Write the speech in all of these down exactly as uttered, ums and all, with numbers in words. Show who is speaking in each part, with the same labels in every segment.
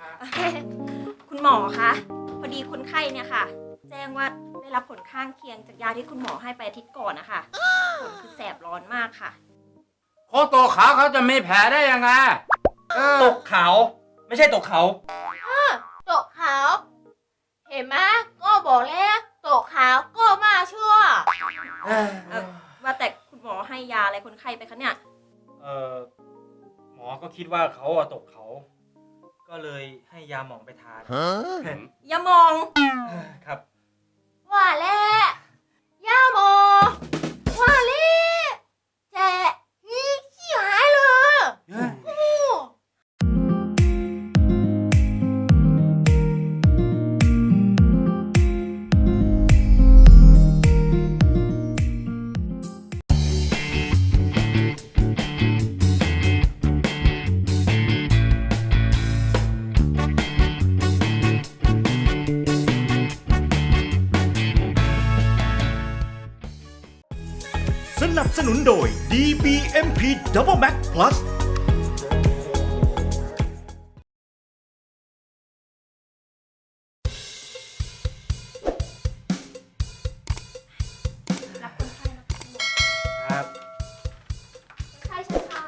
Speaker 1: คุณหมอคะพอดีคนไข้เนี่ยค่ะ แจ้งว่าได้รับผลข้างเคียงจากยาที่คุณหมอให้ไปอาทิตย์ก่อนนะคะผลคือแสบร้อนมากค่ะ
Speaker 2: โคตรขาวเขาจะมีแผลได้ยังไง
Speaker 3: ต
Speaker 2: ต
Speaker 3: กเขาไม่ใช่ตกเขา
Speaker 4: ตกขาวเห็นไหมก็บอกแล้วตกขาวก็มาชั่ว
Speaker 1: เออว่าแต่คุณหมอให้ยาอะไรคนไข้ไปคะเนี่ย
Speaker 3: เออหมอก็คิดว่าเขาอะตกเขา ก็เลยให้ยาหมองไปทาน
Speaker 1: อย่ามอง
Speaker 3: ครับ
Speaker 4: ว่าแล้วย่าโมว่าแล้วแจะนี่ขี้หายเลยโอ้
Speaker 5: สนับสนุนโดย ดี บี เอ็ม พี Double Max Plus
Speaker 1: รับคนไข้นะคะคุณหมอ
Speaker 3: ครับ
Speaker 1: คนไข้เชิญค่ะ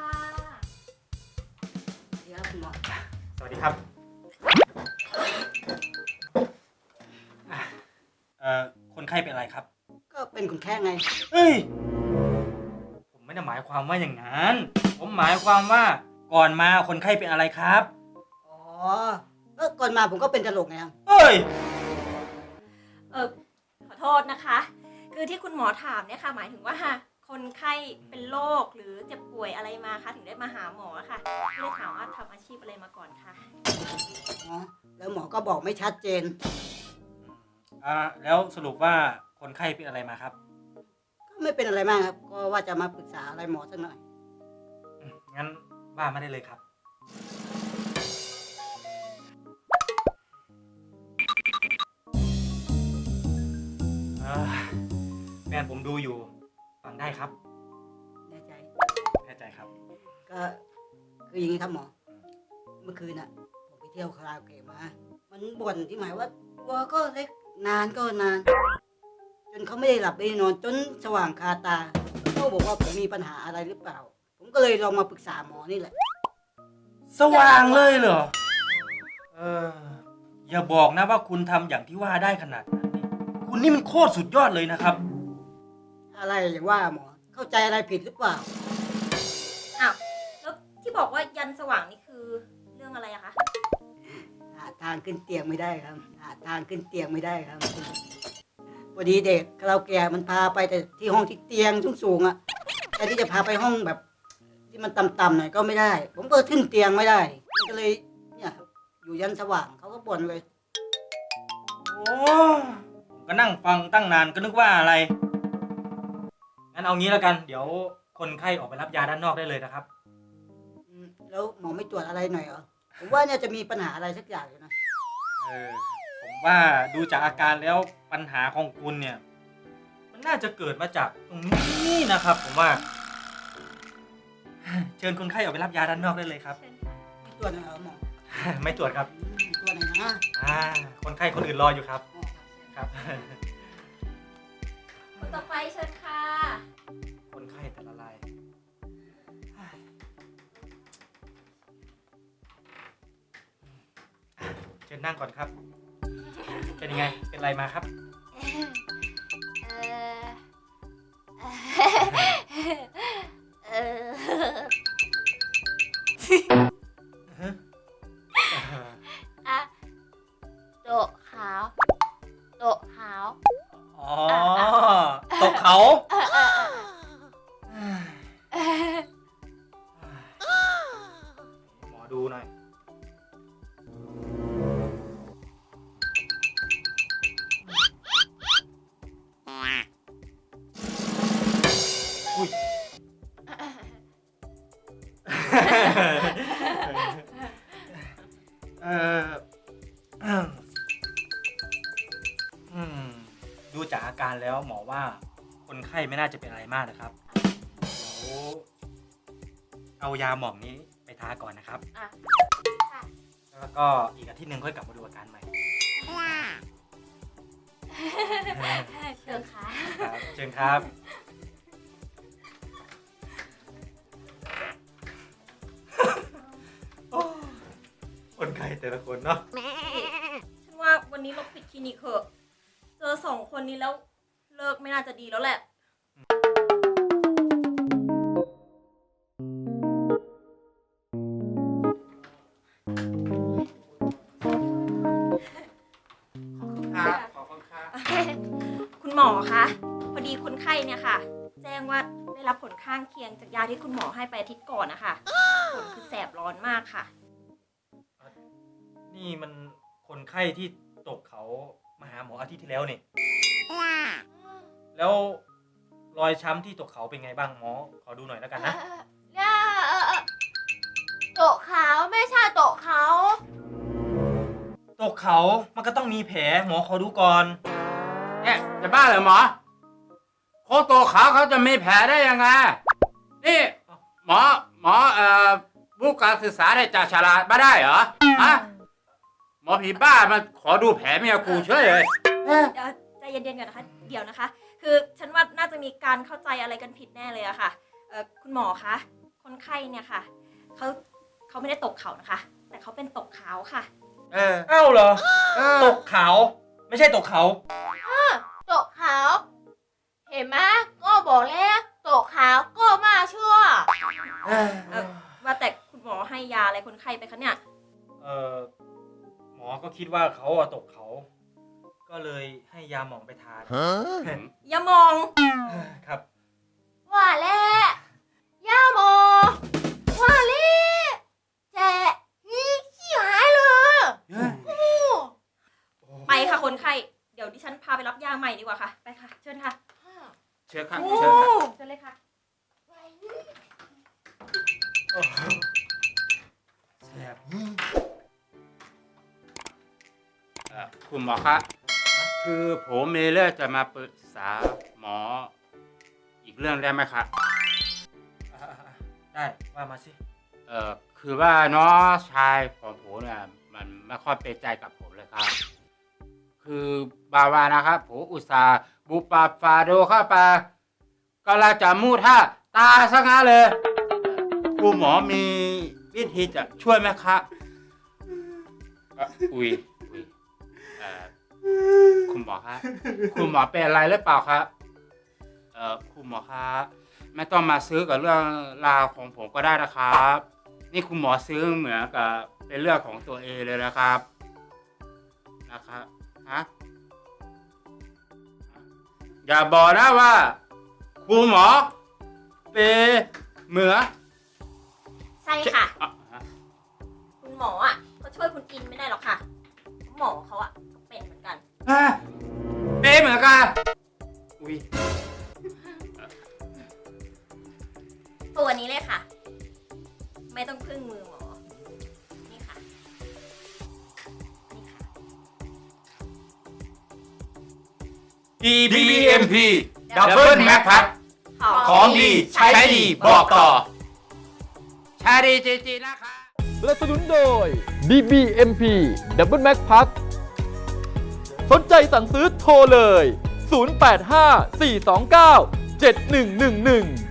Speaker 4: เดี๋ยวคุณหมอ
Speaker 3: สวัสดีครับเอ่อคนไข้เป็นอะไรครับ
Speaker 4: ก็เป็นคนแค่ไง
Speaker 3: เฮ้ย ผมไม่ได้หมายความว่าอย่างนั้น ผมหมายความว่าก่อนมาคนไข้เป็นอะไรครับ
Speaker 4: อ๋อเออก่อนมาผมก็เป็นตลกไงครับ
Speaker 3: เฮ้ย
Speaker 1: เออขอโทษนะคะ คือที่คุณหมอถามเนี่ยค่ะ หมายถึงว่าคนไข้เป็นโรคหรือเจ็บป่วยอะไรมาคะถึงได้มาหาหมอค่ะก็เลยถามว่าทำอาชีพอะไรมาก่อนค่ะ
Speaker 4: อ๋อแล้วหมอก็บอกไม่ชัดเจน
Speaker 3: อ่าแล้วสรุปว่าคนไข้เป็นอะไรมาครับ
Speaker 4: ก็ไม่เป็นอะไรมากครับ ก็ว่าจะมาปรึกษาอะไรหมอสักหน่อย
Speaker 3: อืมงั้นว่าไม่ได้เลยครับ อ่าแฟนผมดูอยู่ ฟังได้ครับ
Speaker 4: แน่ใจ
Speaker 3: แน่ใจครับ
Speaker 4: ก็คืออย่างนี้ครับหมอ เมื่อคืนน่ะ ผมไปเที่ยวคาราโอเกะมา มันบ่นที่หมายว่าตัวก็เล็กนานก็นาน จนเขาไม่ได้หลับไม่ได้นอนจนสว่างคาตาเขาบอกว่าผมมีปัญหาอะไรหรือเปล่า ผมก็เลยลองมาปรึกษาหมอนี่แหละ
Speaker 3: สว่างเลยเหรอ เออ อย่าบอกนะว่าคุณทำอย่างที่ว่าได้ขนาดนั้นนี่คุณนี่มันโคตรสุดยอดเลยนะครับ
Speaker 4: อะไรอย่างว่าหมอ เข้าใจอะไรผิดหรือเปล่า
Speaker 1: อ้าวแล้วที่บอกว่ายันสว่างนี่คือเรื่องอะไรอะคะ
Speaker 4: หาทางขึ้นเตียงไม่ได้ครับ หาทางขึ้นเตียงไม่ได้ครับพอดีเด็กคาราโอเกะมันพาไปแต่ที่ห้องที่เตียงสูงๆอ่ะแต่ที่จะพาไปห้องแบบ ที่มันต่ำๆหน่อยก็ไม่ได้ ผมก็ขึ้นเตียงไม่ได้มันก็เลยเนี่ยครับอยู่ยันสว่างเขาก็บ่นเลย
Speaker 3: โอ้ผมก็นั่งฟังตั้งนานก็นึกว่าอะไร งั้นเอางี้แล้วกัน เดี๋ยวคนไข้ออกไปรับยาด้านนอกได้เลยนะครับ
Speaker 4: อืมแล้วหมอไม่ตรวจอะไรหน่อยเหรอผมว่าเนี่ยจะมีปัญหาอะไรสักอย่างอยู่นะ
Speaker 3: เออ ผมว่าดูจากอาการแล้วปัญหาของคุณเนี่ย มันน่าจะเกิดมาจากตรงนี้นะครับ ผมว่า เชิญคนไข้ออกไปรับยาด้านนอกได้เลยครับ
Speaker 1: เชิญค่ะ
Speaker 4: ไม่ตรวจหน่อยเหรอหมอ
Speaker 3: ไม่ตรวจครับ
Speaker 4: อืมตรวจหน่อยนะ
Speaker 3: อ่า คนไข้คนอื่นรออยู่ครับ
Speaker 4: หมอ
Speaker 3: ครับ
Speaker 1: คนต่อไปเชิญค่ะ
Speaker 3: คนไข้แต่ละรายเชิญนั่งก่อนครับ เป็นยังไง เป็นอะไรมาครับ
Speaker 4: เออเอออะโตะขาวโตะขาว
Speaker 3: อ๋อ ตกเขา หมอดูหน่อย อุ้ย เอออืมดูจากอาการแล้วหมอว่าคนไข้ไม่น่าจะเป็นอะไรมากนะครับ เดี๋ยวเอายาหมองนี้ไปทาก่อนนะครับ
Speaker 4: อ่ะค่ะ
Speaker 3: เอแล้วก็อีกอาทิตย์หนึ่งค่อยกลับมาดูอาการใหม่
Speaker 1: เชิญค่ะ
Speaker 3: ครับเชิญครับโอ้คนไข้แต่ละคนเนาะ
Speaker 1: ฉันว่าวันนี้เราปิดคลินิกเถอะ เจอสองคนนี้แล้วเลิกไม่น่าจะดีแล้วแหละ
Speaker 2: ครับขอบคุณครับ
Speaker 1: คุณหมอคะพอดีคนไข้เนี่ยค่ะ แจ้งว่าได้รับผลข้างเคียงจากยาที่คุณหมอให้ไปอาทิตย์ก่อนนะคะผลคือแสบร้อนมากค่ะ
Speaker 3: นี่มันคนไข้ที่ตกเขามาหาหมออาทิตย์ที่แล้วนี่แล้วรอยช้ำที่ตกเขาเป็นไงบ้างหมอขอดูหน่อยแล้วกันนะ
Speaker 6: เนี่ยเออเออโตะขาวไม่ใช่โตะเขา
Speaker 3: ตกเขามันก็ต้องมีแผลหมอขอดูก่อน
Speaker 2: เนี่ยจะบ้าเหรอหมอคนตัวขาวเขาจะมีแผลได้ยังไง นี่หมอหมอเอ่อวุฒิการศึกษาได้จากฉลาดมาได้เหรอฮะหมอผีบ้ามันขอดูแผลเมียกูเฉยเลยเอ๊ะ
Speaker 1: เดี๋ยวใจเย็นๆก่อนนะคะ เดี๋ยวนะคะ คือฉันว่าน่าจะมีการเข้าใจอะไรกันผิดแน่เลยอะค่ะเอ่อคุณหมอคะ คนไข้เนี่ยค่ะ เขาเขาไม่ได้ตกเขานะคะ แต่เขาเป็นตกขาวค่ะ
Speaker 2: เออ
Speaker 3: เอ้าเหรอ
Speaker 2: เอ
Speaker 3: ต
Speaker 2: อก
Speaker 3: เขาไม่ใช่ตกเขา
Speaker 6: โตะขาวเห็นไหมก็บอกแล้วโตะขาวก็มาชั่ว
Speaker 2: เออ
Speaker 1: เอ่อว่าแต่คุณหมอให้ยาอะไรคนไข้ไปคะเนี่ย
Speaker 3: เออหมอก็คิดว่าเขาอะตกเขา ก็เลยให้ยาหมองไปทาน
Speaker 1: อย่ามอง
Speaker 3: ครับ
Speaker 6: ว่าแล้วย่าโมว่าแล้วแจะนี่ขี้หายเลย
Speaker 1: ไปค่ะคนไข้ เดี๋ยวดิฉันพาไปรับยาใหม่ดีกว่าค่ะ ไปค่ะ เชิญค่ะ
Speaker 2: เชิญครับ
Speaker 1: โอ้
Speaker 2: เชิญครับ
Speaker 1: เชิญเลยค่ะ
Speaker 3: แซ่บ
Speaker 2: เอ่อคุณหมอครับคือผมมีเรื่องจะมาปรึกษาหมอ อีกเรื่องได้ไหมครับ
Speaker 3: อ่ะๆๆได้ว่ามาสิ
Speaker 2: เอ่อคือว่าน้องชายของผมเนี่ยมันไม่ค่อยเป็นใจกับผมเลยครับ คือบาวานะครับผมอุตส่าห์บุปผาฟาโดเข้าไปก็ลาจะมูท่าตาซะงั้นเลยคุณหมอมีวิธีจะช่วยไหมครับเอ่ออุ้ยอุ้ยเอ่อคุณหมอครับคุณหมอเป็นอะไรหรือเปล่าครับเอ่อคุณหมอครับไม่ต้องมาซื้อกับเรื่องราวของผมก็ได้นะครับ นี่คุณหมอซื้อเหมือนกับเป็นเรื่องของตัวเองเลยนะครับนะครับฮะอย่าบอกนะว่าคุณหมอเป็นเหมือน
Speaker 1: ใช่ค่ะ
Speaker 2: อ่ะฮะ
Speaker 1: คุณหมออ่ะเขาช่วยคุณอินไม่ได้หรอกค่ะ หมอเขาอ่ะก็เป็นเหมือนกัน
Speaker 2: ฮะเป็นเหมือนกันอุ้ย
Speaker 1: ตัวนี้เลยค่ะ ไม่ต้องพึ่งมือหมอ นี่ค่ะ นี่ค่ะ
Speaker 2: ดี บี เอ็ม พี ดับเบิลแม็กพัดของดีใช้ดีบอกต่อใช้ดีจริงๆนะคะ
Speaker 7: สนับสนุนโดย ดี บี เอ็ม พี Double Max Pack สนใจสั่งซื้อโทรเลย ศูนย์ แปด ห้า สี่ สอง เก้า เจ็ด หนึ่ง หนึ่ง หนึ่ง